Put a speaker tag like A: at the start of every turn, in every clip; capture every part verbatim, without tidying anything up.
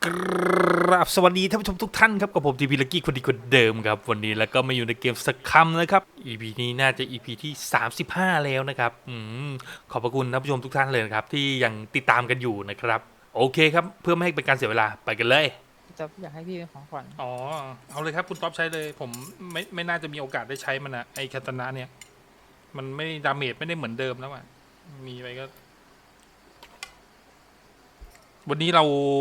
A: กราบสวัสดีท่านผู้ชมทุกท่านครับกับผมทีพีลักกี้คนดีคนเดิมครับวันนี้แล้วก็มาอยู่ในเกมสักคำนะครับ อี พี นี้น่าจะ อี พี ที่สามสิบห้าแล้วนะครับอืมขอบพระคุณท่านผู้ชมทุกท่านเลยนะครับที่ยังติดตามกันอยู่นะครับโอเคครับเพื่อไม่ให้เป็นการเสียเวลาไปกันเลย
B: จะอยากให้พี่เป็นของขวัญ
A: อ๋อเอาเลยครับคุณท็อปใช้เลยผมไม่ไม่น่าจะมีโอกาสได้ใช้มันอะไอคาตานะเนี่ยมันไม่ดาเมจไม่ได้เหมือนเดิมแล้วอะมีไปก็ วันนี้เรา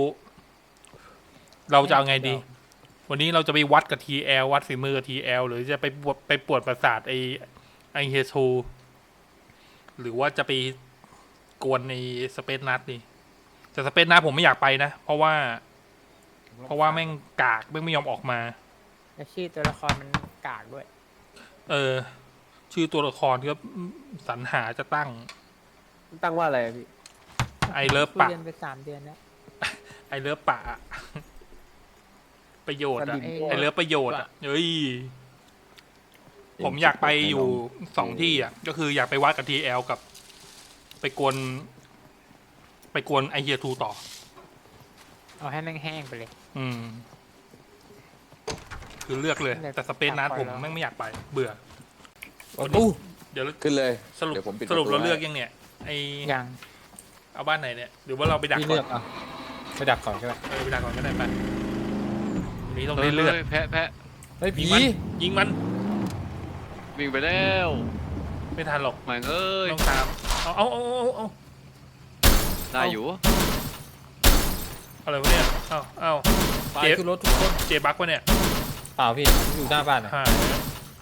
A: เราจะเอาไงดี วันนี้เราจะไปวัดกับ ที แอล วัดฝีมือกับ ที แอล หรือจะไปปวดไปปวดประสาทไอไอเฮโทหรือว่าจะไปกวนในสเปซนัทดีแต่สเปซนัทผมไม่อยากไปนะ เพราะว่า เพราะว่าแม่งกากแม่งไม่ยอมออกมา
B: และชื่อตัวละครมันกากด้วย
A: เออ ชื่อตัวละครที่สรรหาจะตั้ง
C: ตั้งว่าอะไรอะพี่
A: ไอเลิฟ
B: คุย
A: ปะ
B: เรียนไปสามเดือนแล้ว
A: ไอเลิฟปะอะประโยชน์อะ
C: สลิม
A: ไอเลิฟประโยชน์อะเฮ้ย ผมอยากไปอยู่สองที่อ่ะ ก็คืออยากไปวัดกับ ที แอล กับ ไปกวน ไปกวนไอเฮียทูต่อ
B: เอาให้แม่งแห้งไปเลย
A: อืม คือเลือกเลย
B: เลือก
A: แต่สเปซนัท
B: ปล่อย
A: ผม
B: แล้ว
A: แม่งไม่อยากไป เบื่อ
C: ตู้
A: เดี๋ยว
C: ขึ้นเลย
A: สรุป
C: เดี๋ยวผมปิด
A: สรุป
C: ประตู
A: เราเลือก
C: ให้
A: ยังเนี่ย ไอ
B: ยัง
A: เอาบ้านไหนเนี่ย หรือว่าเราไปดัก
D: พี่
A: ก่
D: เลื
A: อ
D: อน กอ่ะไปดักก่อนก็ได้
A: เออไปดักก่อนก็ได้ไปวันนี้ต้องได้เลือด
E: แพะแพะ
D: เฮ้ย
A: ยิ
D: ผี
A: งมันยิงมัน
E: วิ่งไปแล้ว
A: ไม่ทันหรอก
E: แม่งเอ้ย
A: ต้องตาม เอาเอาเอาเอาเอา
E: ได้อยู่
A: อะไรวะเนี่ย เอาเอา
D: ไป
A: เจ็บ
D: ขึ้นรถทุกคน
A: เจบักวะเนี่ย
D: เปล่าพี่ผมอยู่หน้าบ้านอ่ะ
A: หายแล้ว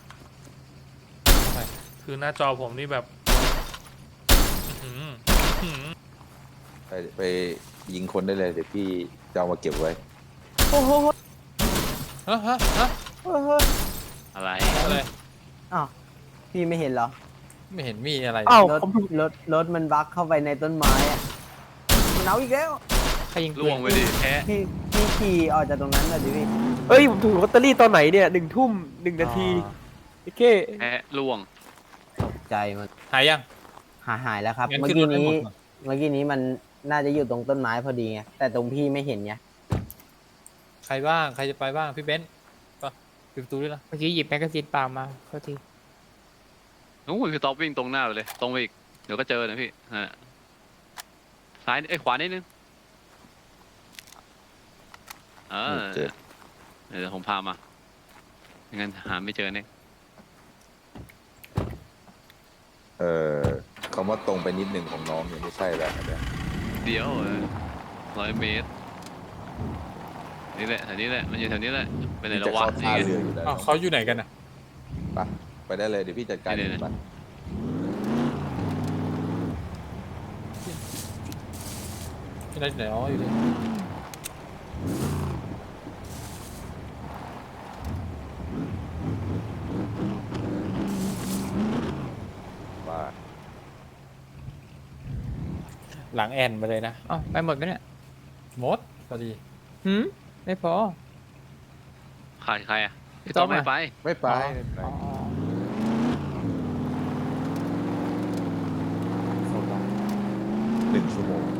A: คือหน้าจอผมนี่แบบอื้อหืออื้อหือ
C: ไปไปยิงคนได้เลยเดี๋ยวพี่จะเอามาเก็บไว้
D: ฮะฮะฮะ
E: อะไร
D: อะไร
F: อ้าวพี่ไม่เห็นเหรอ
D: ไม่เห็นมีอะไร
F: อ้าวรถรถรถมันบั๊กเข้าไปในต้นไม้อะมันเอาอีกแล้ว
B: ใครยิง
E: ล่วงไปดิแพะ
F: พี่พี่ขี่ออกจากตรงนั้นเลยดิพี่
G: เอ้ยผมถูกลอตเตอรี่ตอนไหนเนี่ยหนึ่งทุ่มหนึ่งนาทีโอเค
E: แพะล่วง
F: ตกใจมัน
D: หายยัง
F: หายหายแล้วครับ
D: งั้น
F: เมื่อ
D: ขึ้นร
F: กี้
D: ถให้
F: นี้
D: หมดก่อน
F: เมื่อกี้นี้มันน่าจะอยู่ตรงต้นไม้พอดีไงแต่ตรงพี่ไม่เห็นไง
D: ใครบ้างใครจะไปบ้างพี่เบนซ์ก็ปิดประตูด้วยนะ
B: เมื่อกี้หยิบแมกกาซีนเปล่ามาโทษที
E: นู้นคือท็อปวิ่งตรงหน้าไปเลย ตรงไปอีก เดี๋ยวก็เจอนะพี่นั่นแหละซ้ายเอ้ยขวานิดนึงเออ
C: เจ็บ
E: เดี๋ยวผมพามาไม่งั้นหาไม่เจอเนี่ย
C: เอ่อคำว่าตรงไปนิดหนึ่งของน้องเนี่ยไม่ใช่แล้วนะเนี่ย
E: เดี๋ยวร้อยเมตร นี่แหละแถวนี้แหละ มันอยู่แถวนี้แหละ ไปไหน
C: พี่
E: แล้
C: จะ
E: ววะ
C: เข้าท่า
E: นี่ไง
C: เรืออยู่แล้ว
D: อ้าวเขาอยู่ไหนกันอ่ะ
C: ไปไปได้เลยเดี๋ยวพี่จัดการ
E: เดี๋
C: เอ
E: ยว
C: งไป
D: ที่ไหนที่ไหนอ๋ออยู่นี่
C: ว่า
D: หลังแอนมาเลยนะ
B: อ๋อไปหมดไหมเนี่ย
D: หมดพอดี
B: หืมไม่พอ
E: ขาดใครอ่ะ
B: พี่
E: พี่
B: ต๊
E: ต้
B: อ
E: อบ งไม่
B: อะ
E: ไป
C: ไม่ไป
B: อ๋อ
C: ไม่ไป
B: อ๋อ
C: หนึ่งชั่วโมง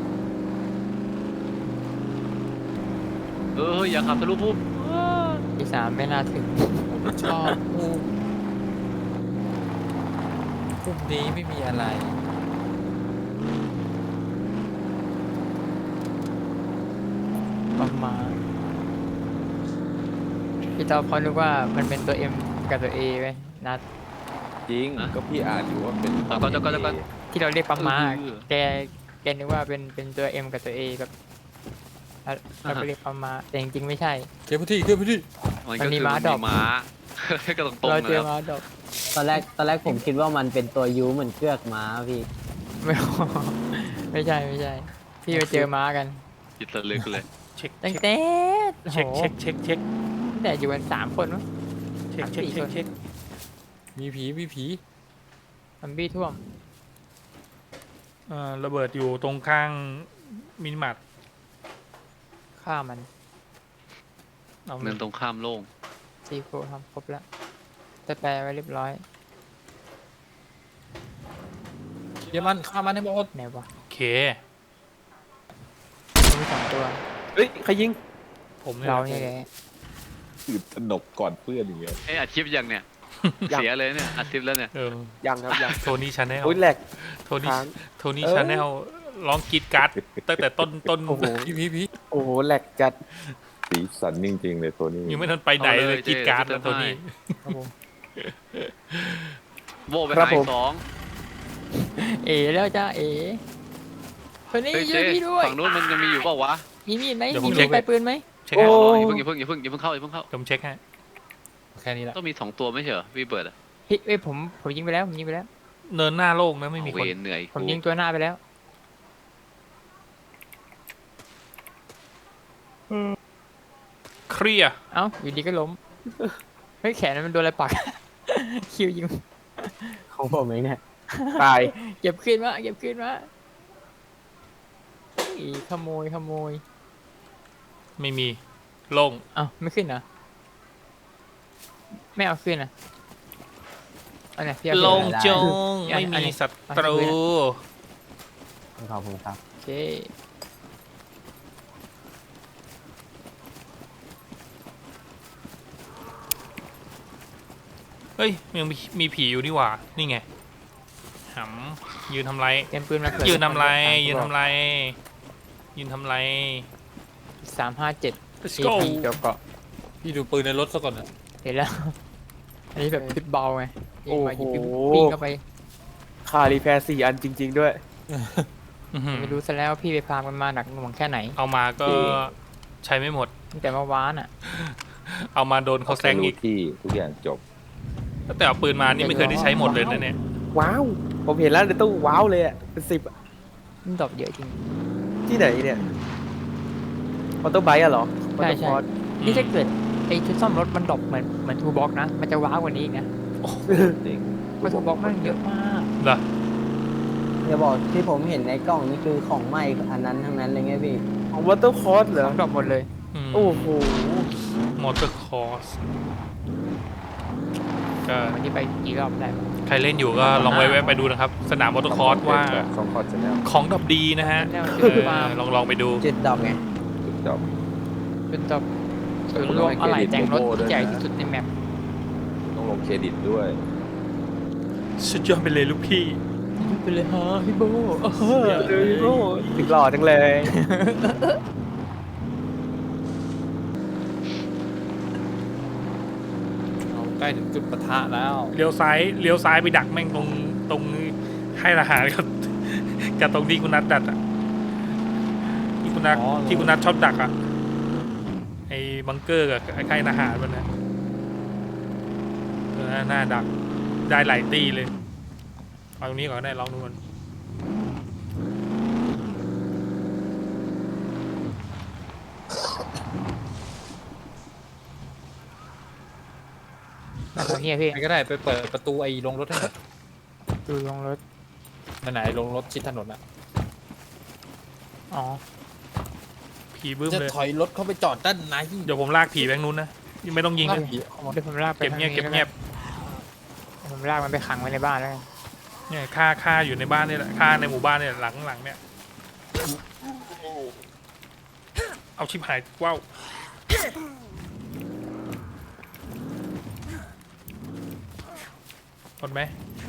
E: เอออย่าขับทะลุพุ่ม
B: ที่สามไม่น่าถึง
D: ผมชอบมุมมุมนี้ไม่มีอะไร
B: ประมาณพี่ต๊อบเขานึกว่ามันเป็นตัว M กับตัว A ไว้นัด
C: จริงก็พี่อ่านอยู่ว่าเป็น
E: เดี๋ยวก่อนเดี๋ยวก่อนเดี๋ยวก่อน
B: ที่เราเรียกปั๊มมา
E: เออ
B: แกแกนึกว่าเป็นเป็นตัว M กับตัว A แบบแล้วเราก็เรียกปั๊มมาแต่จริงๆไม่ใช่
D: เคลียร์พื้นที่เคลียร์พื้นที่
E: มัน
B: มัน
E: ก็
B: มี
E: คือ
B: ม้า
E: มัน
B: ดร
E: มี
B: อป
E: ม้า ก็ตรงตรง
B: เรา
E: ๆ
B: เจอ
E: นะ
B: มาดอก
F: ตอนแรกตอนแรกผมคิดว่ามันเป็นตัวยูเหมือนเชือกม้าพี่
B: ไม่ ไม่ใช่ไม่ใช่ พี่ไปเจอม้ากัน
E: จิตระลึกเลย
A: เช็ค
B: ตั้ง
A: เช็ค
B: แต่
A: เช็ค
B: โอ้โห
A: เช็คเช็คเช็ค
B: ตั้งแต่อยู่กันสามคนมั้ง
A: เช็คเช็คเช็คเช็ค
D: มีผีมีผี
B: ซัมบี้ท่วม
A: เอ่อระเบิดอยู่ตรงข้างมินิมาร์ท
B: ฆ่ามัน
A: เอา
E: เนินตรงข้ามโล่ง
B: ซีโฟทำครบแล้วแต่แปลไว้เรียบร้อย
D: เดี๋ยวมันฆ่ามันให้หมด
B: ไหนวะ
A: โอเค
B: มีสองตัว
G: เฮ้ยใครยิง
A: ผมเนี่ย
B: เราเนี่ยแหละ
C: ตื่นตระหนกก่อนเพื่อนอย่างเงี้ย
E: เอ้ยอัดคลิปยังเนี่ย
G: ยัง
E: เสียเลยเนี่ยอัดคลิปแล้วเนี่ย
A: เออ
G: ยังครับยัง
A: โทนี่ชาแนล
G: โอ้ยแหลก
A: โทนี่
G: ค้าง
A: โทนี่
G: เออ
A: ชาแนลร้องกรีดการ์ดตั้งแต่ต้นต้น
G: โอ้โห
D: พี่พี่พี่
G: โอ้โหแหลกจัด
C: สีสันจริงๆเลยตัวนี้
A: ยังไม่ทันไปไหนเลยกรีดการ์ดแล้วโทนี่
B: ครับผม
E: โบไป
G: ครับ
E: หาย
G: ผม
E: สอง
B: เอ๋แล้วจ้าเอ๋คนนี้
E: เฮ้ย
B: ช่
E: เจ๊
B: วยพี่ด้วย
E: ฝั่งนู้นมันจะมีอยู่เปล่าวะ
B: มีมีดไหม
A: เดี๋ยวผ
B: มี
A: ม
B: มี
A: เช็
B: ด
A: ค
B: ไปปืนไหม
A: เช็ค
G: โอ้
A: ให้
E: อย่าเพิ่งอย่าเพิ่งอย่าเพิ่งอย่าเพิ่งเข้าอย่าเพิ่งเข้า
A: ผมเช็คให้
D: แค่นี้แหละ
E: ต้องมีสองตัวไม่ใช่เหรอพี่เบิร์ดอะ
B: พี่เอ้ยผมผมยิงไปแล้วผมยิงไปแล้ว
A: เนินหน้าโล่งนะไม่มี
E: เว
A: คน
E: รเหนื่อย
B: ผม
E: กู
B: ยิงตัวหน้าไปแล้ว
A: เคลียร์
B: เอ้าอยู่ดีก็ล้มเฮ้ยแขนมันโดนอะไรปัก คิวยิง
F: ของผมเองเนี่ย
G: ตาย
B: เก็บขึ้นมาเก็บขึ้นมาอีขโมยขโมย
A: ไม่มีโล่ง
B: เอ้าไม่ขึ้นเหรอไม่เอาขึ้นนะอันไหนพี่เอาขึ้น
A: โล่ง
B: เหรอ
A: จง
B: อัน
A: ไม่
B: อัน
A: มี
B: นี้
A: ศัตรู
F: ขอบคุณครับ
B: โอเค
A: เฮ้ยยังมีมีผีอยู่นี่หว่านี่ไงหำยืนทำไร
B: เตรียมปืนมาเผื่อ
A: ยืนทำไร
B: สาม
A: ยืนทำไร ยืนทำไร
B: สามห้าเจ็ด
A: let's
B: เอ
A: go
B: พีเกี่ยวเกาะ
D: พี่ดูปืนในรถซะก่อนนะ
B: เห็นแล้ว อันนี้แบบพิษเบาไงยิงมา
G: โอ้
B: ยิง
G: โห
B: ปิ้งเข้าไป
G: คารีแพร์สี่อันจริง ๆ ด้วย
A: อื้อหือ
B: ไม่รู้ซะแล้วพี่ไปพามันมาหนักหน่วงแค่ไหน
A: เอามาก็
B: ที่
A: ใช้ไม่หมด
B: ตั้งแต่เมื่อวานอ่ะ
A: เอามาโดนเขาแซง
C: รู้
A: อีก
C: ที่ทุกอย่างจบ
A: ตั้งแต่เอาปืนมานี่ไม่เคยได้ใช้หมดเลยนะเนี่ย
G: ว้าว ผมเห็นแล้วในตู้ว้าวเลยอ่ะเป็นสิบอะ
B: มันดรอปเยอะจริง
G: ที่ไหนเนี่ยออโต้ไบค์อะเหรอ
B: ใช่ใช่
G: Autopod
B: นี่ถ้าเกิดไอ้ชุดซ่อมรถมันดรอปเหมือนเหมือนทูบ็อกนะ มันจะว้าวกว่านี้อีกนะ
C: จริง
B: เพราะทูบ็อกมันเยอะมาก
A: เหรอ
F: อย่าบอกที่ผมเห็นในกล้องนี่คือของใหม่อันนั้นทั้งนั้นเลยไงพี่
G: ของวอเตอร์คอร์สเหรอ
B: ของดรอปหมดเลย
G: โอ้โห
A: มอเตอร์คอร์สก็
B: วันนี้ไปกี่รอบได้
A: ใครเล่นอยู่ก็ลองแวะๆไปดูนะครับ สนามมอเตอร์คอร์สว่า
C: ช่องคอร์สแนล
A: ของดับดีนะฮะ
B: แล้ว
A: เอ
B: จุด
A: อ
B: ฟาร์ม
A: ลองลองไปดู
F: จุดดอกไง
C: จบ
B: จุดดรอปศูนย์รวมอะไหล่แต่งรถที่ใหญ่ที่สุดในแมป
C: ต้องลงเครดิตด้วย
A: สุดยอดไปเลยลูกพี่
B: ไปเลยฮะพี่โบ
G: เลยโอ้ถึงหล่อจังเลย
D: เราใกล้ถึงจุดปะทะแล้ว
A: เลี้ยวซ้ายเลี้ยวซ้ายไปดักแม่งตรงตรงค่ายทหารกับ กับตรงที่คุณนัทดักอ่ะที่คุณนัท
D: อ๋อ
A: ที่คุณนัทชอบดักอ่ะไอ้บังเกอร์กับไอ้ค่ายทหารมันนะเออหน้าดักได้หลายตีเลยเอาตรงนี้ก่อนก็ได้ลองดูมัน
B: แบบนี้พี่
D: ใครก็ได้ไปเปิดประตูไอ้ลงรถให้หน่อย
B: ดูลงรถ
D: นั่นไหนไอ้ลงรถชิดถนนอะ
B: อ๋อ
A: ผีบึ้ม
D: จะ
A: เลย
D: ถอยรถเข้าไปจอดด้านใน
A: เดี๋ยวผมลากผีแบงค์นู้นนะยังไม่ต้องยิง
D: ลาก
A: นะ
D: ผีเข้ามา
B: เดี๋ยวผมลากไป
A: เก็บเงียบ
B: ทา
A: เก็บ
B: นี้
A: เงียบ
B: แล้วกันผมลากมันไปขังไว้ในบ้านแล้วกัน
A: เนี่ยฆ่าฆ่าอยู่ในบ้านนี่แหละฆ่าในหมู่บ้านเนี่ยหลังหลังเนี่ยเอาชิบหายว้าวหมดไหม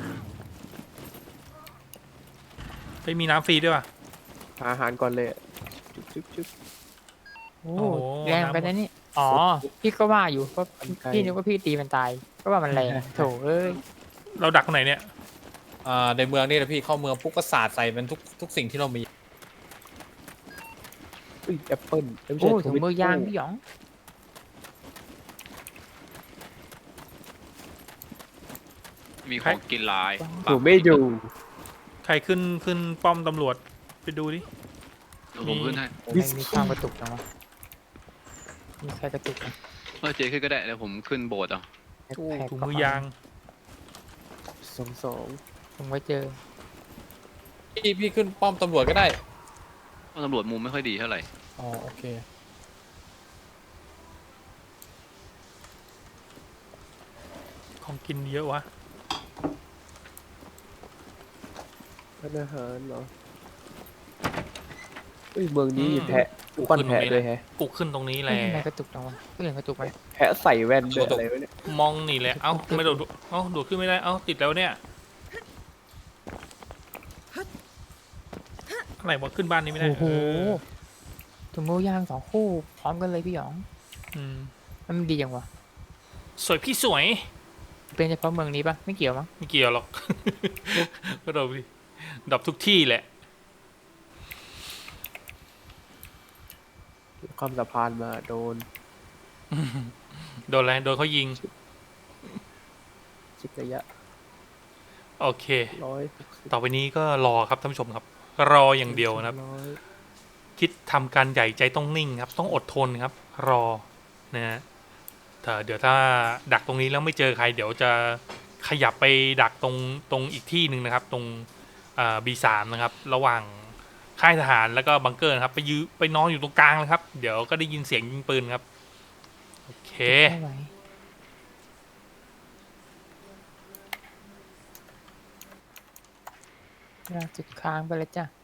A: ไปมีน้ำฟรีด้วยป่ะ
G: หาอาหารก่อนเลยอะจุ๊บจุ๊บจุ๊บ
B: โอ้
A: โอ้โห
B: แรงไปนะนี่อ๋อพี่ก็ว่าอยู่เพราะพี่นึกว่าพี่ตีมันตายก็ว่ามันแรงโถเอ้ย
A: เราดักตรงไหนเนี่ย
D: อ่าในเมืองนี่แหละพี่เข้าเมืองปุ๊บก็สาดใส่มันทุกทุกสิ่งที่เรามี
G: อุ้ยแอปเปิ้ลไม่
B: โอ้
G: ใช่
B: ถุงมือยางพี่หยอง
E: มีของกินหลาย
G: ถูไม่อยู่
A: ใครขึ้นขึ้นป้อมตำรวจไปดูดิ
E: เดี๋ยวผมขึ้นให้
B: ไม่มีความกระตุกจังวะมีใครกระตุกไหม
E: เออเจ๊ขึ้นก็ได้เดี๋ยวผมขึ้นโบสถ์เอา
A: โอ้
B: แพ็ค
A: ถุงมือยาง
G: สองสอง
B: ผมไว้เจอ
D: พี่พี่ขึ้นป้อมตำรวจก็ได้
E: เพราะตำรวจมุมไม่ค่อยดีเท่าไหร่
D: อ๋อโอเค
A: ของกินเยอะวะ
G: ร้านอาหารเหรออุ้ยเมืองนี้มีแพะ
A: กู
G: ปั้น
A: ขึ้นตร
G: แพะ
A: งนี้
G: ด้วย
A: แหละ
G: แฮะ
A: กูขึ้นตรงนี้แห
B: เอ้
A: ละ
B: ยทำไมกระตุกจังวะก็เลยกระตุกไหม
G: แพะใส่แว่นด้วยอะไรวะเนี่ย
A: มองนี่แหละเอ้าไม่โดดเอ้าโดดขึ้นไม่ได้เอ้าติดแล้วเนี่ยอะไรวะขึ้นบ้านนี้ไม่ได้
B: โอ้โห
A: เออ
B: ถุงมือยางสองคู่พร้อมกันเลยพี่หยอง
A: อืม
B: มันดีจังวะ
A: สวยพี่สวย
B: เป็นเฉพาะเมืองนี้ปะไม่เกี่ยวมั้ง
A: ไม่เกี่ยวหรอก ก็ดรอปดิดรอปทุกที่แหละ
G: ข้ามสะพานมาโดน
A: โดนอะไรโดนเขายิง
G: ชิดระยะ
A: โอเค
G: ร้อย
A: ต่อไปนี้ก็รอครับท่านผู้ชมครับ รออย่างเดียวนะครับ
G: ร้อย
A: คิดทำการใหญ่ใจต้องนิ่งครับ ต้องอดทนครับ รอนะฮะถ้าเดี๋ยวถ้าดักตรงนี้แล้วไม่เจอใคร เดี๋ยวจะขยับไปดักตรงตรงอีกที่หนึ่งนะครับ ตรงบีสามนะครับ ระหว่างค่ายทหารแล้วก็บังเกอร์นะครับ ไปยื้อไปนอนอยู่ตรงกลางเลยครับ เดี๋ยวก็ได้ยินเสียงยิงปืนครับ โอเค
B: ไม่ไหวลากจุดค้างไปเลยจ้ะ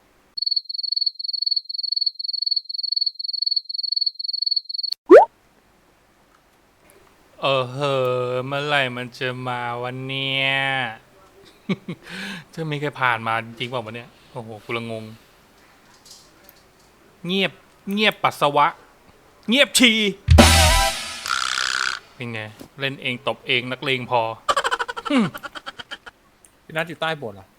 A: เออเฮอเมื่อไหร่มันจะมาวันเนี้ย จะไม่เคยผ่านมาจริงๆเปล่าวันเนี้ยโอ้โหกูละงง เงียบเงียบปัสสาวะ เงียบฉี่เป็นไง เล่นเองตบเองนักเลงพอ
D: พี่นัทอยู่ใต้โบสถ์เหรอ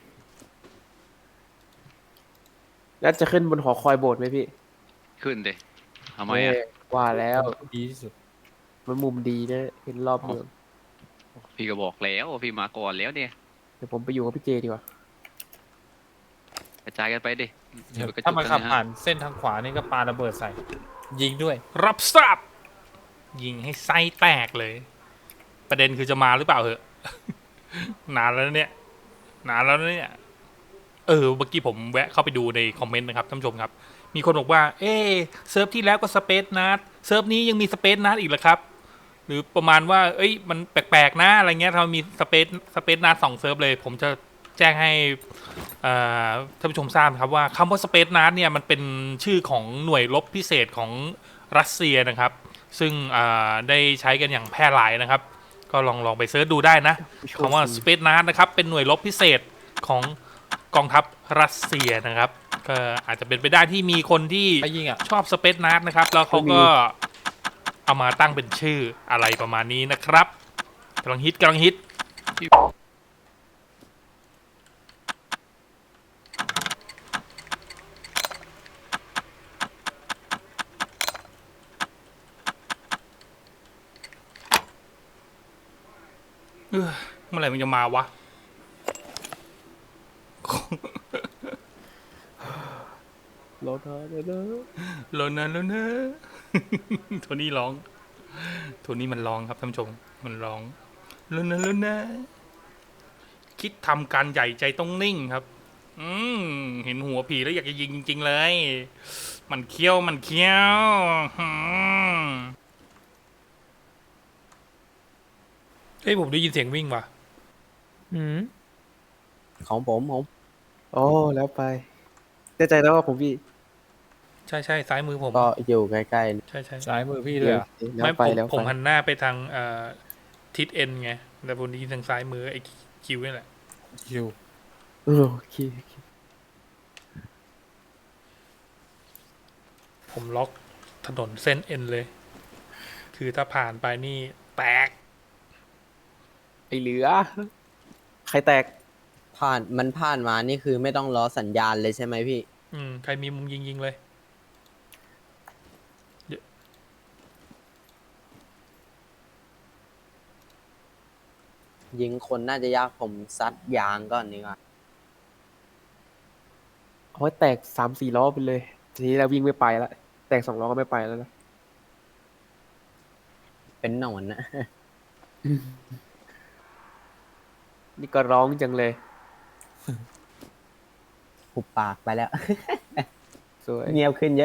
G: แล้วจะขึ้นบนหอคอยโบสถ์ไหมพี่
E: ขึ้นดิทำไมอ่ะ
G: เอ้ยว่าแล้ว
D: ดีที่สุด
G: มันมุมดีนะเห็นรอบเมือง
E: พี่ก็บอกแล้วว่าพี่มาก่อนแล้วเนี่ย
G: เดี๋ยวผมไปอยู่กับพี่เจดีกว่า
E: กระจายกันไปดิอย่ไปกระจุก
D: ถ้ามันขับ
E: กัะฮะ
D: ผ่านเส้นทางขวานี่ก็ปาระเบิดใส่ ยิงด้วย
A: รับทราบยิงให้ไส้แตกเลย ประเด็นคือจะมาหรือเปล่าเหอะ นานแล้วเนี่ย นานแล้วเนี่ย เออ เมื่อกี้ผมแวะเข้าไปดูในคอมเมนต์นะครับท่านผู้ชมครับ มีคนบอกว่า เอ๊ะเซิร์ฟที่แล้วก็สเปซนัดเซิร์ฟนี้ยังมีสเปซนัดอีกเหรอครับ หรือประมาณว่า เอ้ย มันแปลกๆนะอะไรเงี้ยถ้ามันมีสเปซสเปซนัดสองเซิร์ฟเลย ผมจะแจ้งให้อ่าท่านผู้ชมทราบครับว่าคำว่าสเปซนัดเนี่ยมันเป็นชื่อของหน่วยรบพิเศษของรัสเซียนะครับ ซึ่งอ่าได้ใช้กันอย่างแพร่หลายนะครับ ก็ลองลองไปเซิร์ชดูได้นะคำว่าสเปซนัดนะครับเป็นหน่วยรบพิเศษของกองทัพรัสเซียนะครับ ก็อาจจะเป็นไปได้ที่มีคนที่
D: ไปยิงอ่ะ
A: ชอบสเปซนัดนะครับ แล้วเขาก็เอามาตั้งเป็นชื่ออะไรประมาณนี้นะครับกำลังฮิตกำลังฮิตเอ้อเมื่อไหร่มันจะมาวะ
G: รถนะเดี๋ยวนะ
A: โลนะโลนะ โทนี่ร้อง โทนี่มันร้องครับท่านผู้ชม มันร้องโลนะโลนะ คิดทำการใหญ่ใจต้องนิ่งครับ อืมเห็นหัวผีแล้วอยากจะยิงจริงๆเลย มันเคี้ยวมันเคี้ยวอืมเฮ้ยผมได้ยินเสียงวิ่งว่ะ
B: อืม
F: ของผมผม
G: โอ้แล้วไปแน่ใจแล้วว่าผมพี่
A: ใช่ใช่ซ้ายมือผม
F: ก็อยู่ใกล้
A: ใช่ใช่
D: ซ้ายมือพี่
G: ๆ
D: ด้วยอะ
G: แล้ว
A: ไม่
G: ไป
A: ผม
G: แล้ว
A: ผม
G: ไป
A: หันหน้าไปทางเอ่อทิศเอ็นไงแต่ผมได้ยินทางซ้ายมือไอ้คิวนี่แหละ
D: คิว
G: เออโอเคโอเค
A: ผมล็อกถนนเส้นเอ็นเลย คือถ้าผ่านไปนี่แตก
G: ไอเหลือ ใครแตก
F: ๆผ่านมันผ่านมานี่คือไม่ต้องรอสัญญาณเลยใช่ไหมพี่
A: อืม ใครมีมุมยิงยิงเลย
F: ยิงคนน่าจะยากผมซัดยางก่อนดีกว่า
G: เอาไว้แตกสามสี่ล้อไปเลย ทีนี้เราวิ่งไม่ไปละแตกสองล้อก็ไม่ไปแล้วนะ
F: เป็นหนอนนะ
G: นี่ก็ร้องจังเลย
F: หุบปากไปแล้ว
G: สวย
F: เงียบขึ้นเยอะ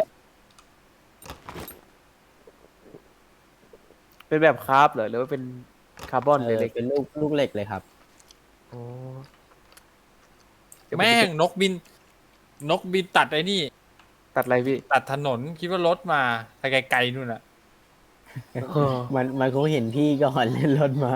G: เป็นแบบคาร์บเหรอหรือว่าเป็นคาร์บอน
F: เอ
G: เลย
F: อ
G: เล็ก
F: เป็นลูกลูกเหล็กเลยครับ
G: โอ้เดี๋ยวผ
D: แม่
G: จะ
D: งนกบิน นกบินตัดไอ้นี่
G: ตัดอะไรพี่
D: ตัดถนนคิดว่ารถมาไกลๆนู่นน่ะ
G: เออ
F: มันมันคงเห็นพี่ก่อนเล่นรถมา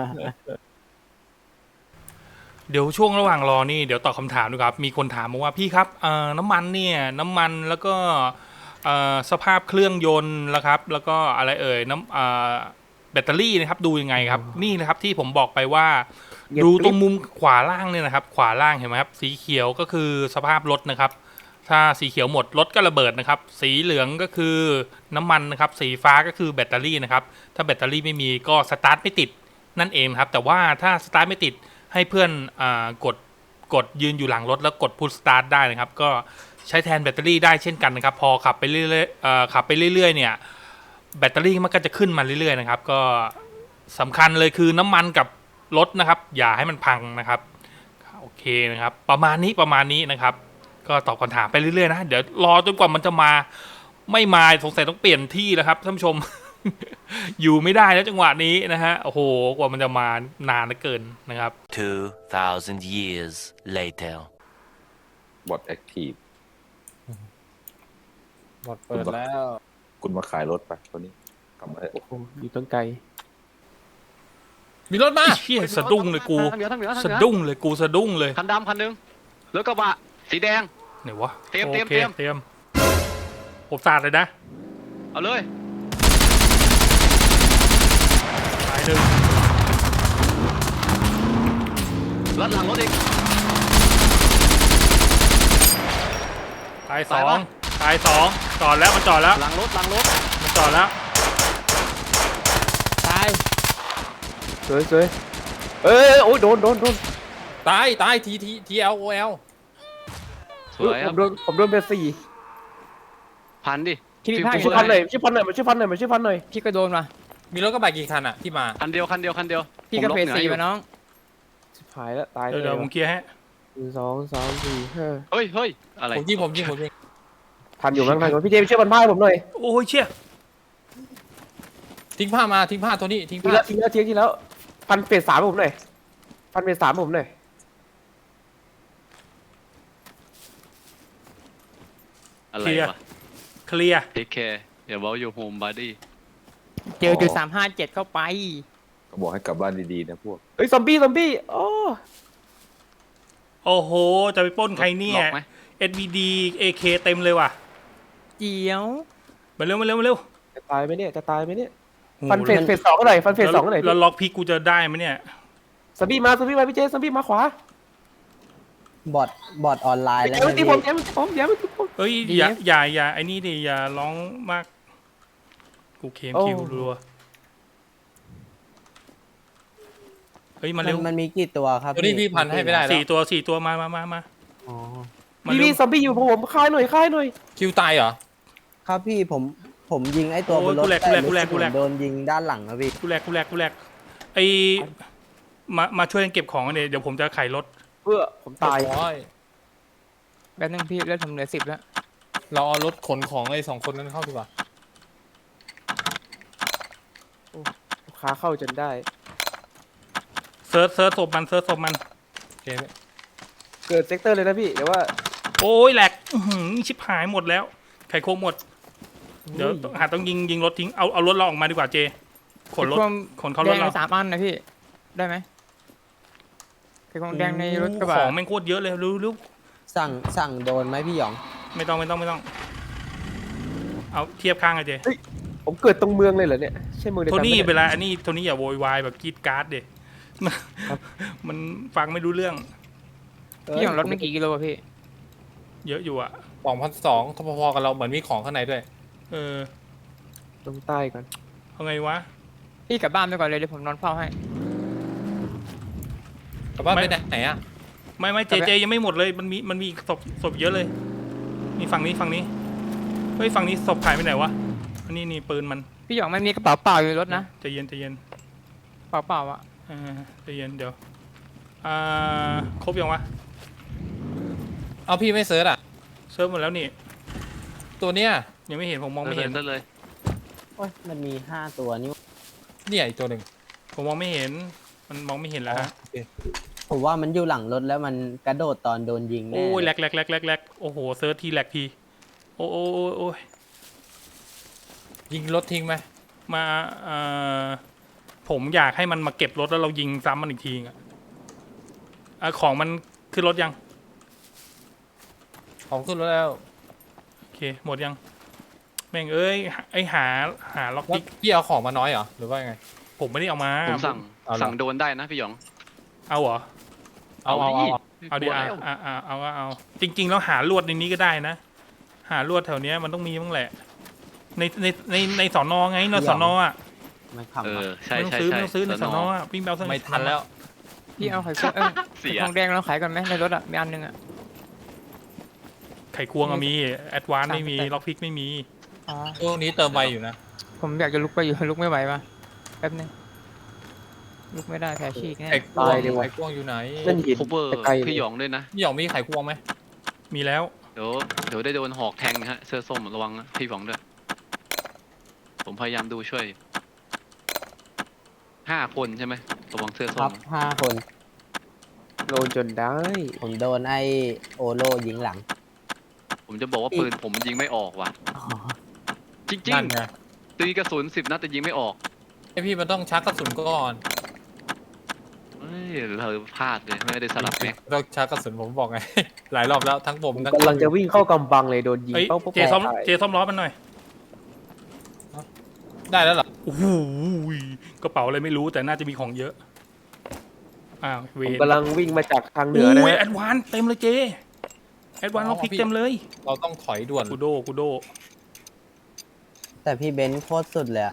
A: เดี๋ยวช่วงระหว่างรอนี่เดี๋ยวตอบคำถามดูครับ มีคนถามมาว่าพี่ครับเอ่อน้ำมันเนี่ยน้ำมันแล้วก็เอ่อสภาพเครื่องยนต์แล้วครับ แล้วก็อะไรเอ่ยน้ำเอ่อแบตเตอรี่นะครับดูยังไงครับ นี่นะครับที่ผมบอกไปว่า
G: เงียบ
A: ดู
G: กริบ
A: ตรงมุมขวาล่างเนี่ยนะครับ ขวาล่างเห็นไหมครับสีเขียวก็คือสภาพรถนะครับ ถ้าสีเขียวหมดรถก็ระเบิดนะครับ สีเหลืองก็คือน้ำมันนะครับ สีฟ้าก็คือแบตเตอรี่นะครับ ถ้าแบตเตอรี่ไม่มีก็สตาร์ทไม่ติดนั่นเองครับ แต่ว่าถ้าสตาร์ทไม่ติดให้เพื่อนอากดกดยืนอยู่หลังรถแล้วกดพุชสตาร์ทได้นะครับ ก็ใช้แทนแบตเตอรี่ได้เช่นกันนะครับ พอขับไปเรื่อยๆเอ่อขับไปเรื่อยๆเนี่ยแบตเตอรี่มันก็จะขึ้นมาเรื่อยๆนะครับ ก็สำคัญเลยคือน้ำมันกับรถนะครับ อย่าให้มันพังนะครับโอเคนะครับ ประมาณนี้ประมาณนี้นะครับ ก็ตอบคำถามไปเรื่อยๆนะเดี๋ยวรอจนกว่ามันจะมาไม่มาสงสัยต้องเปลี่ยนที่แล้วครับท่านผู้ชม อยู่ไม่ได้แล้วจังหวะนี้นะฮะโอ้โหกว่ามันจะมานานเหลือเกินนะครับ
H: Two thousand years later.
C: บอทแอคทีฟ
D: หมดเปิดแล้ว
C: คุณมาขายรถไปตัวนี้กลับมาเถอะ
G: โอ้โหอยู่ตั้งไกล
D: มีรถมา
A: ไอ้เชี่ยสะดุ้งเลยกู
E: ทางเหนือทางเหนือทางเห
A: สะ
E: นือ
A: ดุ้งเลยกูสะดุ้งเลย
E: คันดำคันหนึงรถกระบะสีแดง
A: ไหนวะ
E: เตรียม
A: โอ
E: เตรียม
A: ค
E: เตรียม
A: เตรียมผมสาดเลยนะ
E: เอาเลย
A: สายหนึ่ง
E: รถหลังรถอีก
A: สายสอ
E: สาย
A: ง
E: ปะ
A: สายสองจอดแล้วมันจอดแล้ว
E: หลังรถหลังรถ
A: มันจอดแล้ว
B: ตาย
G: สวยสวยเอ้ยโอ้ยโดนโดนโดน
D: ตายตายทีทีทีเอลโอเอล
E: สวยค
G: ผ
E: รับ
G: มโดนผมโดนเบสสี่
E: พันดิ
B: คิดผิดพลาด
E: ฟิ
G: ช่
E: ว
G: วยพันหน่อยช่วยพันหน่อยมาช่วยพันหน่อยมาช่วยพันหน่อย
B: พี่ก็โดนมา
D: มีรถกระบะกี่คันอ่ะที่มา
E: คันเดียวคันเดียวคันเดียว
B: พี่ก็
E: ผม
B: เพ
E: ล็
B: จ
E: หนือ
B: สี่
E: อยู่
B: มาน้อง
G: ชิบหายแล้วตาย
A: เดี๋ยวเดี๋ยวผมเคลียร์ให้
G: หนึ่งสองสามสี่ห้า
E: เฮ้ยเฮ้ยอะไร
D: ผมยิงผมยิงผมยิง
G: ทันอยู่มั้งทันอยู่พี่เจมส์ช่วยพันผ้าให้ผมหน่อย
A: โอ้ยเชี่ย
D: ทิ้งผ้ามาทิ้งผ้าตัวนี้ทิ้ง
G: ที
D: ผ้า
G: แล้วทีแล้วทีทีแล้วพันเฟสสามให้ผมหน่อยพันเฟสสามให้ผมหน่อย
E: อะไรวะ
A: เคลียร์
E: เทคแคร์อย่าบอกอยู่โฮมบอดี้
B: เจอจุดสามห้าเจ็ดเข้าไป
C: ก็บอกให้กลับบ้านดีๆนะพวก
G: เอ้ยซอมบี้ซอมบี้โอ้
A: โอ้โหจะไปปล้นใครเนี่ย
E: ล็อกไหม
A: เอส วี ดี เอ เค เต็มเลยว่ะ
B: เจียว
A: มาเร็วมาเร็วมาเร็ว
G: จะตายไหมเนี่ยจะตายไหมเนี่ย
A: โอ้โห
G: ฟันเฟสเฟสสองก็หน่อยฟันเฟสสองก็หน่อย
A: แล้วล็อกพีกูจะได้ไหมเนี่ย
G: ซอมบี้มาซอมบี้มาพี่เจซอมบี้มาขวา
F: บอทบอทออนไลน์
G: เดี๋
F: แล้ว
G: ยวมันตีผมเดี๋ยวมันตีผมเดี๋ยวมันตีผม
A: เฮ้ยอย่าอย่าอย่าไอ้นี่ดิอย่าร้องมาก กูเคม
G: โอ้
A: คิวรัวเฮ้ยมา
F: มัน
A: เร็ว
F: มันมีกี่ตัวครับ
D: ตัวนี้พี่พันให้ไม่ได้แล้ว
A: สี่ตัวสี่ตัวมามามามา
F: อ๋อ
A: มา
G: พี่
A: เร็
G: พี่
A: ว
G: ซอมบี้อยู่ผมคลายหน่อยคลายหน่อย
D: คิวตายเหรอ
F: ครับพี่ผมผมยิงไอ้ตัวบนรถแต่รู้สึกเหมือนโดนยิงด้านหลังนะพี่
A: กูแรกกูแรกกูแรกไอมามาช่วยกันเก็บของกันเนี่ยเดี๋ยวผมจะไขรถ
G: เพื่อผมตาย
D: โอ้ย
B: แป๊บนึงพี่เลือดผมเหลือสิบแล้ว
D: เราเอารถขนของไอ้สองคนนั้นเข้าดีกว่า
G: ลูกค้าเข้าจนได้
A: เซิร์ชเซิร์ชศพมันเซิร์ชศพมัน
D: โอเคไหม
G: เกิดเซกเตอร์เลยนะพี่เดี๋ยวว่า
A: โอ้ยแหลกอื้อหือชิบหายหมดแล้วไขโคงหมด เดี๋ยวต้องหาต้องยิงยิงรถทิ้งเอาเอารถเราออกมาดีกว่าเจขนรถ
B: ความ
A: ขนเข้าร
B: แด
A: ถ
B: ง
A: เรา
B: ในสามอันนะพี่ ได้ไหมคือความแดงในรถกระบะ
A: ของแม่งโคตรเยอะเลยรู้รู้
F: สั่งสั่งโดนไหมพี่หยอง
A: ไม่ต้องไม่ต้องไม่ต้อง เอาเทียบข้างกันเจ
G: ผมเกิดตรงเมืองเลยเหรอเนี่ยใช่เมืองเดียว
A: โท
G: กัน
A: นี่
G: ไหม
A: เวลาอันนี้โทนี่อย่าโวยวายแบบกรีดการ์ดเด็ มันฟังไม่รู้เรื่อง
B: พี่ของรถไม่กี่กิโลอะพี่
A: เยอะอยู่อ่ะ
D: สองพันสองพอๆกันเราเหมือนมีของข้างในด้วย
A: เออ
G: ตรงใต้ก่อน
A: เอาไงวะ
B: พี่กลับบ้านไปก่อนเลยเดี๋ยวผมนอนเฝ้าให้
D: กลับบ้าน
A: ไม่
D: ไปไหนไหนอ่ะ
A: ไม่ไม่เจเจยังไม่หมดเลยมันมีมันมีอีกศพศพเยอะเลยนี่ฝั่งนี้ฝั่งนี้เฮ้ยฝั่งนี้ศพหายไปไหนวะอันนี้นี่ปืนมัน
B: พี่หยองมันมีกระเป๋าเปล่าอยู่ในรถนะ
A: ใจเย็นใจเย็น
B: เปล่าเปล่าๆอะ
A: อ่าใจเย็นเดี๋ยวอ่าครบยังวะ
D: เอาพี่ไม่เซิร์ชอ่ะ
A: เซิร์ฟหมดแล้วนี่
D: ตัวเนี้ย
A: ยังไม่เห็นผมมองไม่
E: เห็
A: เห็
E: น
A: น
E: ได้เลย
F: โอ้ยมันมีห้าตัวนี่
D: เนี่ยอีกตัวหนึ่ง
A: ผมมองไม่เห็น มันมองไม่เห็นแล้วฮะ
D: โอเค
F: ผมว่ามันอยู่หลังรถแล้วมันกระโดดตอนโดนยิงแน่
A: โอ้ยแหลกแหลกแหลกแหลกแหลกโอ้โหเซิร์ชทีแหลกทีอ้โอ้โอ้โอ้ย
D: ยิงรถทิ้งไหม
A: มาเอ่อผมอยากให้มันมาเก็บรถแล้วเรายิงซ้ำมันอีกทีอ่ะอ่ะของมันขึ้นรถยัง
D: ของขึ้นรถแล้ว
A: โอเคหมดยังแม่งเอ้ยไอหาหาล็อก
D: แล้ว
A: พิก
D: พี่เอาของมาน้อยเหรอหรือว่าไง
A: ผมไม่ได้เอามา
E: ผมสั่ง
D: เอาเหรอ
E: สั่งโดนได้นะพี่หยอง
A: เอาเหรอ
D: เอาเอาเอา
A: เอาดิ
E: กลัว
A: อ่ะ
E: แล้ว
A: อ่ะอ่ะเอาก็เอา จริง ๆ แล้วหาลวดในนี้ก็ได้นะ หาลวดแถวเนี้ยมันต้องมีบ้างแหละ ในในในในสอนอไงในสอนออ่ะ
F: ไม่
E: เอ
F: ขำ
E: อ
F: อะ
E: ใช่
A: ไม่ต้อง
E: ใช่
A: ซื้อ
E: ใช่
A: ไม่ต้องซื้อในสอนออ่ะวิ่งไปเอาสัก
D: ไม่ทันแล้ว
B: พี่เอาไข่ควงเอ้ย
E: เสีย
B: ไข่ควงแดงเราขายก่อนไหมในรถอ่ะมีอันหนึงอ่ะ
A: ไข่ควงอะมีแอดวานไม่มี
B: สามสิบแปด
A: ล็อกพิกไม่มี
B: อ๋อ
D: ช่วงนี้เติมไวอยู่นะ
B: ผมอยากจะลุกไปอยู่ ลุกไม่ไหวว่ะแป๊บนึงลุกไม่ได้แผลฉีกแน่
D: ไข่ควง
G: ตายเลยว่ะ
D: ไข่ควงอยู่ไหน
G: นั่นหิน
E: คูเปอร์
G: ไกลๆ
E: พี่หยองด้วยนะ
D: พี่หยองมีไข่ควงไหม
A: มีแล้ว
E: เดี๋ยวเดี๋ยวได้โดนหอกแทงฮะเสื้อส้มระวังนะพี่หยองด้วยผมพยายามดูช่วยห้าคนใช่ไหมระวังเสื้อ
F: ค
E: ส้
F: รั
E: ม
F: บห้าคน
G: โดนจนได้
F: ผมโดนไอโอโลยิงหลัง
E: ผมจะบอกว่าปืนผมยิงไม่ออกว่ะ
F: อ๋อ
E: จริง
D: นั่นไง
E: ๆตีกระสุนสิบนัดแต่ยิงไม่ออก
D: ไอพี่มันต้องชักกระสุนก่อน
E: เฮ้ยเราพลาดเลยไม่ได้สลับแม็ก
D: ต้องชักกระสุนผมบอกไง หลายรอบแล้วทั้งผมทั้ง
G: กำลังจะวิ่งเข้ากำบังเลยโดนยิง
A: เอ้ย
G: เป้าเป้า
A: เจซ่อม
G: ตาย
A: เจซ่อมล้อมันหน่อย
D: ได้แล้วเหรอ
A: โอ้โหกระเป๋าอะไรไม่รู้แต่น่าจะมีของเยอะอ้าวเว
G: ผม
A: น
G: กำลังวิ่งมาจากทางเหนือนะ
A: อุ้ย
G: ฮะ
A: แอดวานเต็มเลยเจแอดวานล็อกพิกเต็มเลย
D: เราต้องถอยด่วน
A: กูโดกูโด
F: แต่พี่เบนซ์โคตรสุดเลยอะ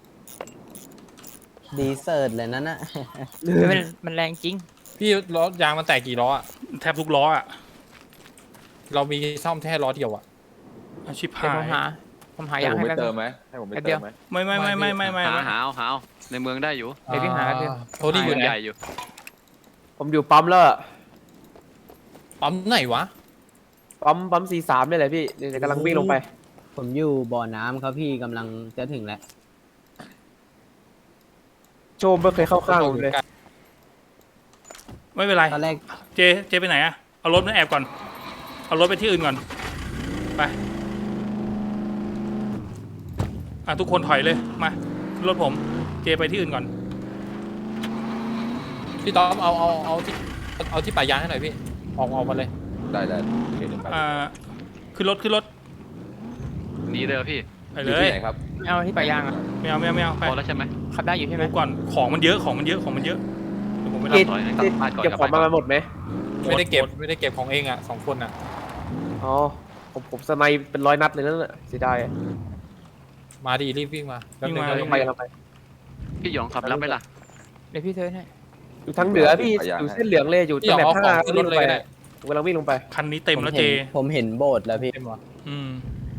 F: ดีเซิร์ตเลยนั่นน่ะ
B: เฮ้ยมันมันแรงจริง
D: พี่ล้อยางมันแตกกี่ล้ออะ
A: แทบทุกล้ออ่ะ
D: เรามีซ่อมแค่ล้อเดียวอะ
A: อาชิบ
B: เดี๋ยว
A: หา
B: ผม
A: ย
B: หา ผมหา
C: ให้
B: ยาง
C: ผม
B: ให้
C: ไป
B: แป๊บ
C: เติ
B: นึ
C: ม
B: ง
C: ไหมให้ผมไป
B: แป๊บเดี
C: เติ
B: ยว
C: มไหม
A: ไม่ไม่ไม่ไม่ไม่ไม่
E: หา
A: ไม่
E: หาเอาหาเอาในเมืองได้อยู่
B: เดี๋ยวพี่หาแป๊บเดียว
D: โทนี่อยู่
E: เมือง
D: ไหน
E: ใหญ่อยู่
G: ผมอยู่ปั๊มแล้วอะ
D: ปั๊มไหนวะ
G: ปั๊มปั๊มสี่สามนี่แหละพี่เดี๋ยวกำลังวิ่งลงไป
F: ผมอยู่บ่อน้ำครับพี่กำลังจะถึงแล้ว
G: โจมไม่เคยเข้าข้างผมเลย
A: ไม่เป็นไร
F: ตอนแรก
A: เจเจไปไหนอะเอารถมาแอบก่อน เอารถไปที่อื่นก่อนไปอ่ะทุกคนถอยเลยมาขึ้นรถผม เจไปที่อื่นก่อน
D: พี่ต้อมเอาเอาเอาที่เอาที่ป่ายางให้หน่อยพี่ ออกออกมาเลย
C: ได้ได้โอเคเดี๋ยวไป
A: อ่าขึ้นรถขึ้นรถ
E: หนีเลยเหรอพี่
A: ไป
C: อ
A: เล
C: ยู่
A: ย
C: ที่ไหนครับ
B: ไม่เอาที่ปลายยางอ่ะ
A: ไม่เอาไม่เอาไม่เอาไป
E: พอแล้วใช่ไหม
B: ขับได้อยู่ใช่ไหม
A: ดูก่อนของมันเยอะของมันเยอะของมันเยอะเดี๋ยวผมไป
G: เก็
A: รั
G: บบ
E: ร้อยหนึ่ง
G: เก็บ
E: กลับบ้านก่อน
G: เก็บ
E: กลับ
G: ของ
E: บ้านก่อน
G: มาหมดไหม
D: ไม่ได้เก็บไม่ได้เก็บของเองอะสองคนอะ
G: อ๋อผมผมสไนเป็นร้อยนัดเลยนั่นแหละเสียดายอะ
D: มาดีรีบวิ่งมาแป๊บนึง
A: วิ่งมา
D: นะ
G: กำลังไปกำลังไป
E: พี่หยองขับรับไหมล่ะ
B: เดี๋ยวพี่เทิร์นให้
G: อยู่ทางเหนือพี่อยู่เส้นเหลืองเลยอยู่
D: พี่หย
G: ตำ
D: อง
G: แหน่ง
D: เอาข
G: ห้า
D: องขึ้นรถเลยก็ได้
G: ผมกำลังวิ่งลงไป
A: คันนี้เต็ม
F: ผม
A: แล้ว
F: เห็
A: เจ
F: นผมเห็นโบสถ์แล้วพี่
D: เต็มวะ
A: อืม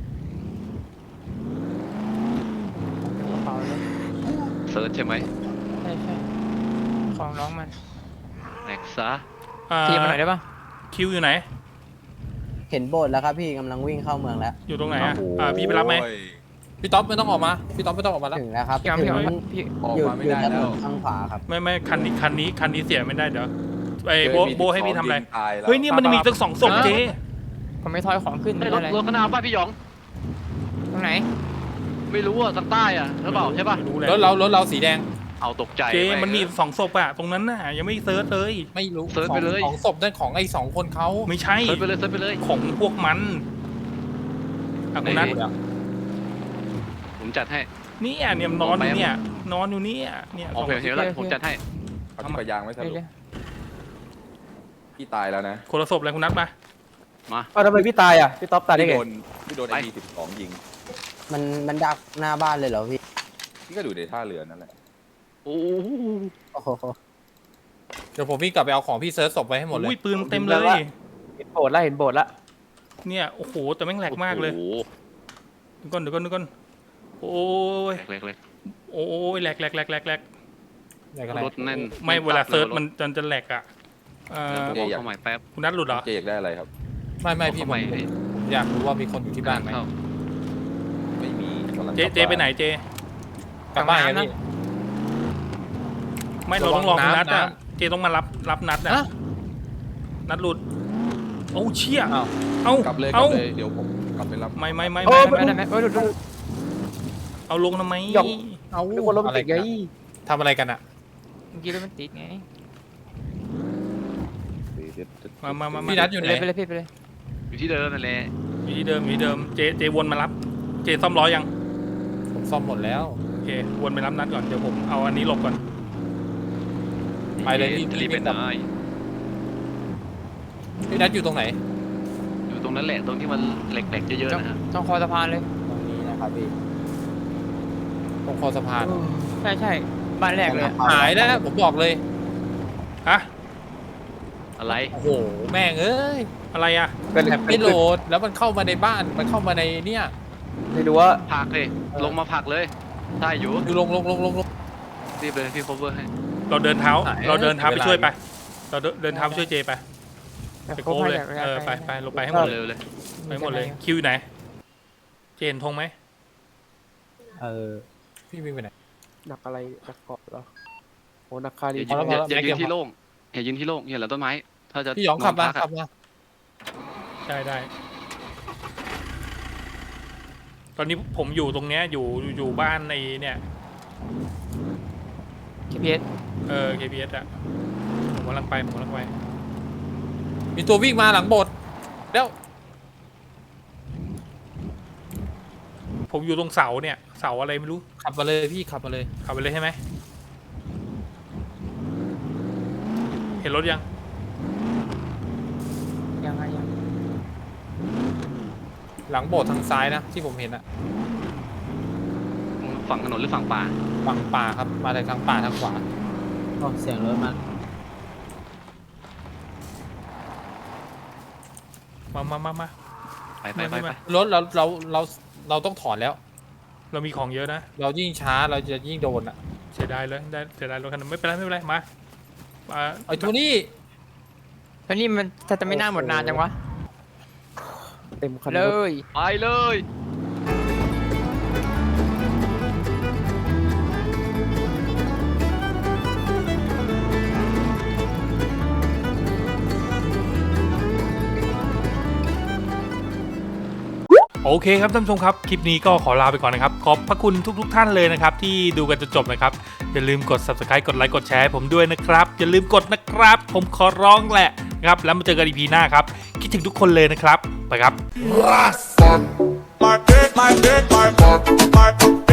B: กระเป๋าเลย
E: เซิร์ชใช่ไหม
B: ใช่ใช่ของน้องมัน
E: แม็กซะ
A: อ่า
B: ทีมาหน่อยได้ปะ
A: คิวอยู่ไหน
F: เห็นโบสถ์แล้วครับพี่กำลังวิ่งเข้าเมืองแล้ว
A: อยู่ตรงไหนอ่ะอ่าพี่ไปรับไหม
C: โอ้ย
D: พี่ต๊อบไม่ต้องออกมา พี่ต๊อบไม่ต้องออกมาแล้ว
F: ถึงแล้วครับ
B: พี่เอา
F: ถึ
B: พี่
F: ง
B: เอาพี่
C: ออก
F: อยู่
C: มาไม่
F: อยู่
C: ได้
F: ถน
C: แล้ว
F: นข้างขวาครับ
A: ไม่ไม่คันนี้คันนี้คันนี้เสียไม่ได้เดี๋ยวไอ้โบ
C: เจ
A: โบให้พี่ทำอะไร
C: ยิงตายแล้ว
A: เฮ้ยเนี่ยมันมีตั้งสองศพเจ
B: ผมไม่ทอยของขึ้น
E: ไอ้
B: ไม่
E: ยร
B: ได้
E: ถ
B: อะไร
E: รถข้างหน้าบ้านพี่หยอง
B: ตรงไหน
E: ไม่รู้อ่ะทางใต้อ่ะหรือเปล่าใช่ป่ะ
A: รู้แหละ
D: รถเรารถเราสีแดง
E: เอาตกใจ
A: เจ
E: แง
A: มันมีสองศพอะตรงนั้นน่ะยังไม่เซิร์ชเลย
D: ไม่รู้
E: เซิร์ชไปเลย
D: ของของศพนั่นของไอ้สองคนเขา
A: ไม่ใช่
E: เซิร์ชไปเลยเซิร์ชไปเลย
A: ของพวกมันอ่ะคุณนัท
E: ไหน ผมจัดให้
A: เนี่ยเนี่ยมันนอนอยู่เนี่ยนอนอยู่เนี่ยเนี่ย
E: โอเคโอเคแล้วผมจัดให้
C: เอาที่ปะยางไว้ส
B: เดี๋ยว
C: รุป
B: เดี๋ยว
C: พี่ตายแล้วนะ
A: คนละศพเลยคุณนัทมา
E: มา
G: อ้าวทำไมพี่ตายอ่ะพี่ต๊อบตายได้
C: พี่
G: ไง
C: โดนพี่โดนไอดีสิบสองยิง
F: มันมันดักหน้าบ้านเลยเหรอพี่
C: พี่ก็ดูในท่าเรือนั่นแหละ
E: โอ้โห
F: โอ้โห
D: เดี๋ยวผมวิ่งกลับไปเอาของพี่เซิร์ชศพไว้ให้หมดเลย
A: อุ้ยปืนเต็มเลย
G: เห็นโบสถ์แล้วเห็นโบสถ์แล้ว
A: เนี่ยโอ้โหแต่แม่งแหลกมากเลย
E: โอ้โห
A: เดี๋ยวก่อนเดี๋ยวก่อนเดี๋ยวก่อนโอ้ย
E: เล็กเล็ก
A: โอ้ยแหลกแหลกแหลกแหลกแหลก
D: ไหนกันไหน
E: รถแน่น
A: ไม่เวลาเซิร์ชมันจะจะแหลกอ่ะเอ่อ
E: เดี๋ยวผมเอาเข้าใหม่แป๊บ
A: คุณนัทหลุดเหรอ
C: เจอยากได้อะไรครับ
D: ไม่ไม่พี่
E: เอา
D: ผ
E: เข้าม ใหม่
D: ผมอยากรู้ว่ามีคนอยู่ที่บ้านไหม
E: เข้
C: ไม่มีกำลัง
A: เจ
C: กลับ
A: เจไปไหนเจ
D: กลับบ้านไงพี่
A: ไม่เราต้องรอคุณนัท
D: ระวัง
A: อ่ะ
D: น้ำ
A: เจต้องมารับรับนัดอ่ะ
D: ฮะ
A: นัดหลุดโอ้เชี่ย
D: อ้าว
A: เอ้าก
C: ลับเลยก
A: เอ้า
C: ลับเลยเดี๋ยวผมกลับไปรับ
A: ไม่ไม่ไม่
B: ไม่
A: ไม่
B: ไม่ได้ไหมเออดูดู
A: เอาลงทำไม
G: หยอก
D: เอา
G: นึกว่ารถมัน
D: อะไร
G: ติดไง
D: กันอะทำอะไรกันอ่ะ
B: เมื่อกี้รถมันติดไง
A: มามามามา
D: พี่นัทอยู่
B: ไป
D: ไหน
B: เลยไปเลยพี่ไปเลย
E: อยู่ที่เดิมนั่นแหละ
A: อยู่ที่เดิมอยู่ที่เดิมเจเจวนมารับ เจซ่อมล้อยัง
D: ผมซ่อมหมดแล้ว
A: โอเควนไปรับนัดก่อนเดี๋ยวผมเอาอันนี้หลบก่อน
D: ไปเลยพี่
E: จะรีบไปไหน
D: พี่นัทอยู่ตรงไหน
E: อยู่ตรงนั้นแหละตรงที่มันเหล็กๆเยอะๆนะฮะ
B: ต้องคอสะพานเลย
F: ตรงนี้นะครับพี่
D: ตรงคอสะพาน
B: ใช่ใช่บ้านแรกเลยอะ
D: หายแล้วนะผมบอกเลย
A: ฮะ
E: อะไร
D: โอ้โหแม่งเอ้ย
A: อะไรอ่ะ
G: เป็น
D: แถบไม่โหลดแล้วมันเข้ามาในบ้านมันเข้ามาในเนี่ย
G: ไม่รู้ว่า
E: ผลักเลยลงมาผลักเลยได้อยู่
D: ดูลงลงลงลงลง
E: รีบเลยพี่ cover ให้
A: เราเดินเท้า
D: หาย
A: เราเดินเท้าไป
D: เวลา
A: ช่วยไป เราเดินเดินเท้าไปช่วยเจไป
B: แต่
A: ไป
B: ครบ
A: โค้ง
B: ให้
A: เลย
B: อยาก
A: เออ
B: อยาก
A: ไปไปลงไปให้หมดเลย
E: เร็วเลย
A: ไปหมดเลย คิวอยู่ไหน เจนทงไหม
F: เออ
D: พี่วิ่งไปไหน
G: หนักอะไรหนักเกาะเหรอโอ้หนักคา
E: อ
G: รี
E: ย่ายืน
D: พอแล้ว
E: อย่า
D: พอแล้ว
E: อย่ายืนที่โล่งอย่ายืนที่โล่งอย่าหลังต้นไม้ ถ้าจะ
D: พี่หยองขับ
E: น
D: มา
E: อนพัก
D: ขั
E: อะ
D: บมา
A: ได้ได้ ตอนนี้ผมอยู่ตรงเนี้ยอยู่อยู่บ้านในเนี่ย
B: เคพีเอส
A: เออ เค พี เอส อะผมกำลังไปผมกำลังไป
D: มีตัววิ่งมาหลังโบสถ์แล้ว
A: ผมอยู่ตรงเสาเนี่ย เสาอะไรไม่รู้
D: ขับมาเลยพี่ขับมาเลย
A: ขับไปเลยใช่ไหม เห็นรถยัง
B: ยังไงยัง
D: หลังโบสถ์ทางซ้ายนะที่ผมเห็นอะ
E: ฝั่งถนนหรือฝั่งป่า
D: ฝั่งป่าครับมาจากทางป่าทางขวา
F: โอ้เสียงรถมัน
A: มามามามา
E: ไปไปไปไป
D: รถเราเราเราเราต้องถอนแล้ว
A: เรามีของเยอะนะ
D: เรายิ่งช้าเราจะยิ่งโดนอะ
A: เสียดายเลยได้เสียดายรถคันนึงไม่เป็นไรไม่เป็นไรมามา
D: ไอ้โทนี่
B: ตอนนี้มันจะจะไม่น่าหมดนานจังวะ
G: เต็มคัน
B: เล
G: รถ
B: ย
E: ไปเลย
A: โอเคครับท่านผู้ชมครับคลิปนี้ก็ขอลาไปก่อนนะครับขอบพระคุณทุกๆทท่านเลยนะครับที่ดูกันจนจบนะครับอย่าลืมกด ซับสไครบ์ กดไลค์กดแชร์ให้ผมด้วยนะครับอย่าลืมกดนะครับ ผมขอร้องแหละนะครับแล้วมาเจอกัน อี พี หน้าครับคิดถึงทุกคนเลยนะครับไปครับ
I: My dick, my dick, my, my, my